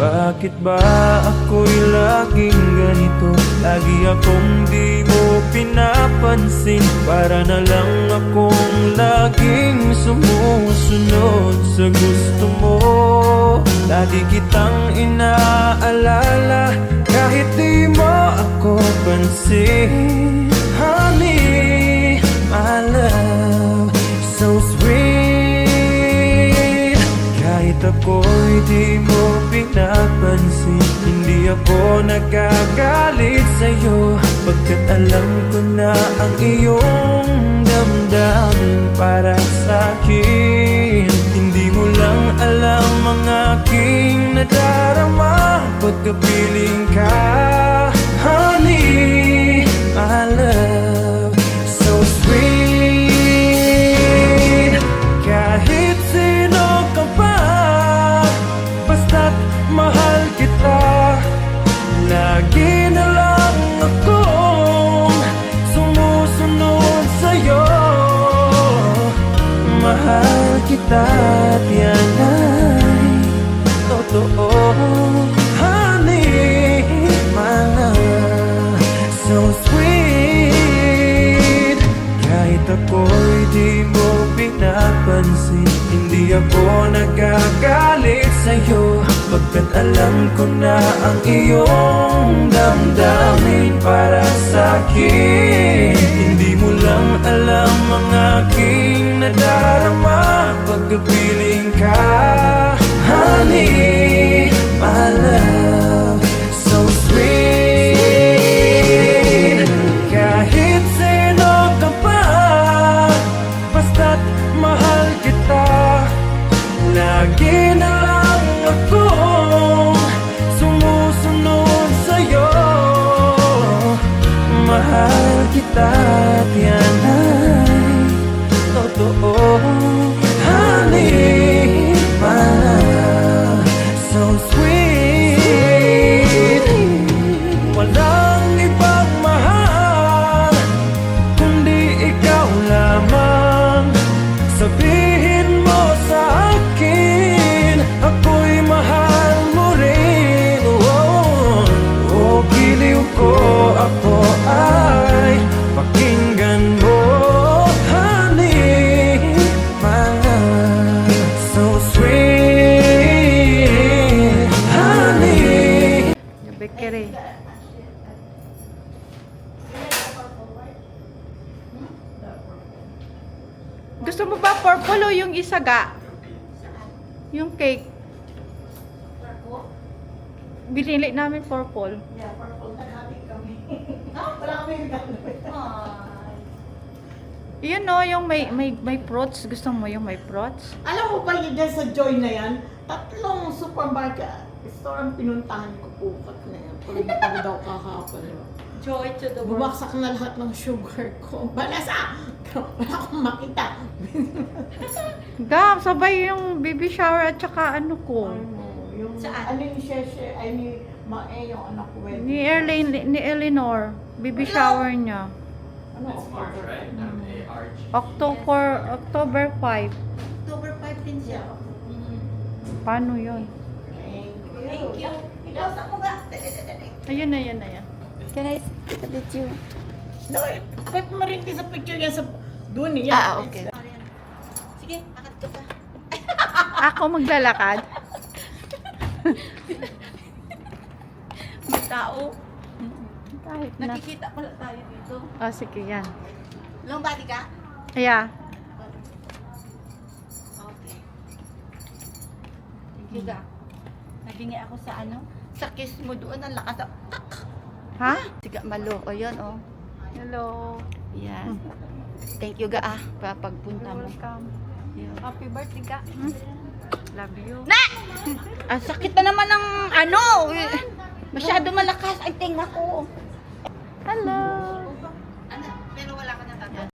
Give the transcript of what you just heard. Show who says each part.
Speaker 1: Bakit ba ako'y laging ganito? Lagi akong di mo pinapansin. Para na lang akong laging sumusunod sa gusto mo. Lagi kitang inaalala kahit di mo ako pansin. Honey, my love, so sweet. Kahit ako'y di mo pinapansin, hindi ako nagagalit sa'yo, pagkat alam ko na ang iyong damdamin para sa'kin. Hindi mo lang alam ang aking nadarama pagkapiling ka. Honey, my love, so sweet. Kahit sino ka pa, basta't mahal kita. Lagi na lang akong sumusunod sa'yo. Mahal kita at yan ay totoo. Honey, my love, so sweet. Kahit ako'y di mo pinapansin, hindi ako nagagalit sa'yo, pagkat alam ko na ang iyong damdamin para sa'kin. Hindi mo lang alam ang aking nadarama pagkapiling ka. Honey, my love, so sweet. Kahit sino ka pa, basta't mahal kita. Lagi na lang akong sumusunod sa'yo. Mahal kita at yan ay totoo. Honey, my love, so sweet. Walang ibang mahal kundi ikaw lamang. Sabihin mo sa akin, ako'y mahal mo rin. Oh, oh, giliw ko, ako ay pakinggan mo. Honey, my love, so sweet. Honey.
Speaker 2: Bekere. Gusto mo ba purple o yung isaga? Yung cake. Binili namin purple.
Speaker 3: Yeah, purple na natin kami. Wala kami
Speaker 2: Yun no, yung may fruits. Gusto mo yung may fruits?
Speaker 3: Alam mo ba yun dyan sa Joy na yan? 3 supermarket store ang pinuntahan ko, pukat na yan. Pag daw kahapon.
Speaker 4: Joy to the world.
Speaker 3: Bumagsak na lahat ng sugar ko. Balasa! Wala akong makita.
Speaker 2: Gam, sabay yung baby shower at saka ano ko.
Speaker 3: Yung
Speaker 4: Saan?
Speaker 3: ano yung share ay ni Mae, yung anak ko.
Speaker 2: Ni Eleanor. Baby shower niya.
Speaker 3: Ano?
Speaker 5: It's March, right? M-A-R-G.
Speaker 2: October 5.
Speaker 4: October 5 din siya.
Speaker 2: Paano yun?
Speaker 4: Thank you. Ilasa mo nga.
Speaker 2: Ayun na, yan na yan.
Speaker 4: Can I sit with you?
Speaker 3: No, pwede mo rin din sa picture yan sa doon yan.
Speaker 4: Okay. Sige, akad ka pa.
Speaker 2: Ako maglalakad.
Speaker 4: May tao.
Speaker 2: Kahit na.
Speaker 4: Nakikita pala tayo dito.
Speaker 2: Oh, sige yan.
Speaker 4: Long body ka?
Speaker 2: Yeah.
Speaker 4: Okay. Thank you, ga. Nabingi ako sa ano? Sa kiss mo doon, ang lakas.
Speaker 2: Ha?
Speaker 4: Siga malo. O yun, oh.
Speaker 2: Hello.
Speaker 4: Yan. Thank you, ga, pagpunta mo.
Speaker 2: Welcome.
Speaker 4: Yan.
Speaker 2: Happy birthday ka. Love you.
Speaker 4: Na! Ang sakit na naman ng ano. Masyado malakas ang tinga ko.
Speaker 2: Hello.